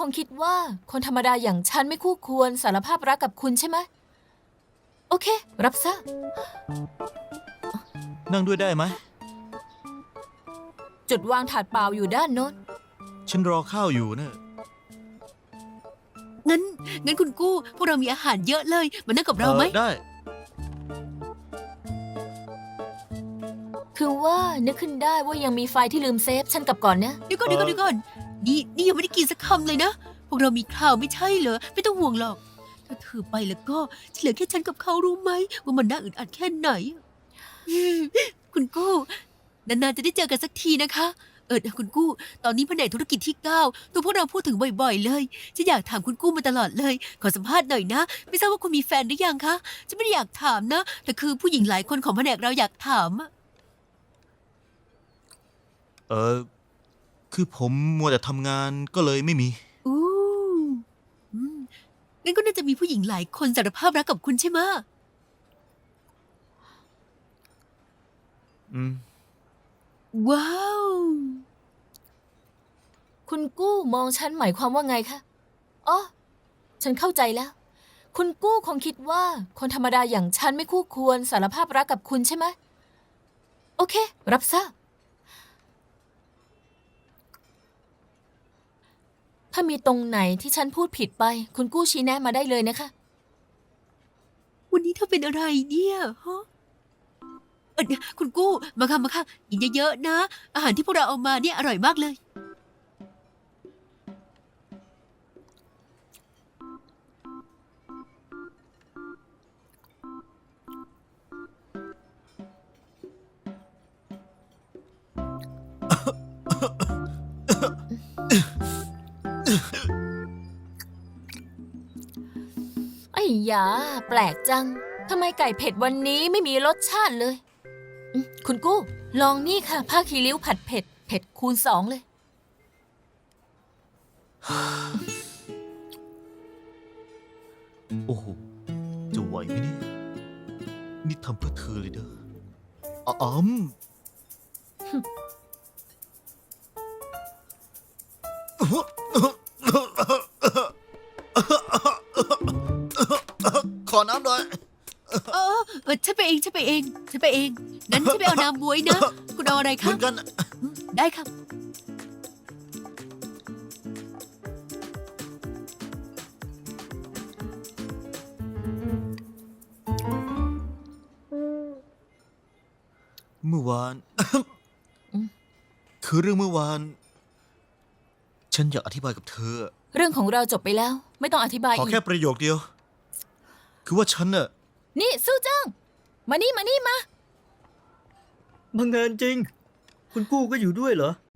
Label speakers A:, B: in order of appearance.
A: งคิดว่าคนธรรมดาอย่างฉันไม่คู่ควรสารภาพรักกับคุณใช่ไหมโอเครับทราบ
B: นั่งด้วยได้ไหม
A: จุดวางถาดเปล่าอยู่ด้านโน้น
B: ฉันรอข้าวอยู่นะ
C: งั้นคุณกู้พวกเรามีอาหารเยอะเลยมานั่งกับเราไหม
B: ได้
A: คือว่านึกขึ้นได้ว่ายังมีไฟที่ลืมเซฟฉันกลับก่อนนะ
C: เดี๋ยวก่อนนี่ยังไม่ได้กินสักคำเลยนะ พวกเรามีข้าวไม่ใช่เหรอ ไม่ต้องห่วงหรอก ถ้าเธอไปแล้วก็จะเหลือแค่ฉันกับเขารู้ไหมว่ามันน่าอึดอัดแค่ไหนคุณกู้นานๆจะได้เจอกันสักทีนะคะ คุณกู้ ตอนนี้แผนกธุรกิจที่9ตัวพวกเราพูดถึงบ่อยๆเลยฉันอยากถามคุณกู้มาตลอดเลย ขอสัมภาษณ์หน่อยนะ ไม่ทราบว่าคุณมีแฟนหรือยังคะฉันไม่ได้อยากถามนะ แต่คือผู้หญิงหลายคนของแผนกเราอยากถามอะ
B: คือผมมัวแต่ทำงานก็เลยไม่มี
C: อู้อืมงั้นก็น่าจะมีผู้หญิงหลายคนสารภาพรักกับคุณใช่ไหมะ
B: อืม
C: ว้าว
A: คุณกู้มองฉันหมายความว่าไงคะอ๋อฉันเข้าใจแล้ว คุณกู้คงคิดว่าคนธรรมดาอย่างฉันไม่คู่ควรสารภาพรักกับคุณใช่ไหมโอเครับทราบ ถ้ามีตรงไหนที่ฉันพูดผิดไป คุณกู้ชี้แนะมาได้เลยนะคะ
C: วันนี้เธอเป็นอะไรเนี่ยฮะคุณกู้มาค่ะกินเยอะๆนะ อาหารที่พวกเราเอามาเนี่ยอร่อยมากเลย
A: ไอ้ยาแปลกจัง ทำไมไก่เผ็ดวันนี้ไม่มีรสชาติเลยคุณกู้ ลองนี่ค่ะ ผ้าคีริ้วผัดเผ็ด เผ็ดคูณ2เลย
B: โอ้โห จะไหวไหมเนี่ย นี่ทำเพื่อเธอเลยเด้ออ๋อมขอน้ำหน่อย
C: ฉันไปเอง งั้นฉันไปเอาน้ำบ๊วยนะ คุณเอาอะไร
B: เห
C: คะ
B: มือนกัน
C: ได้ครับ
B: เมื่อวาน คือเรื่องเมื่อวาน ฉันอยากอธิบายกับเธอ
A: เรื่องของเราจบไปแล้ว ไม่ต้องอธิบาย
B: ขอ
A: อีก
B: แค่ประโยคเดียว คือว่าฉันน่ะ
A: นี่สู้เจิ้งมานี่มา
D: บังเอิญจริง คุณกู้ก็อยู่ด้วยเหรอ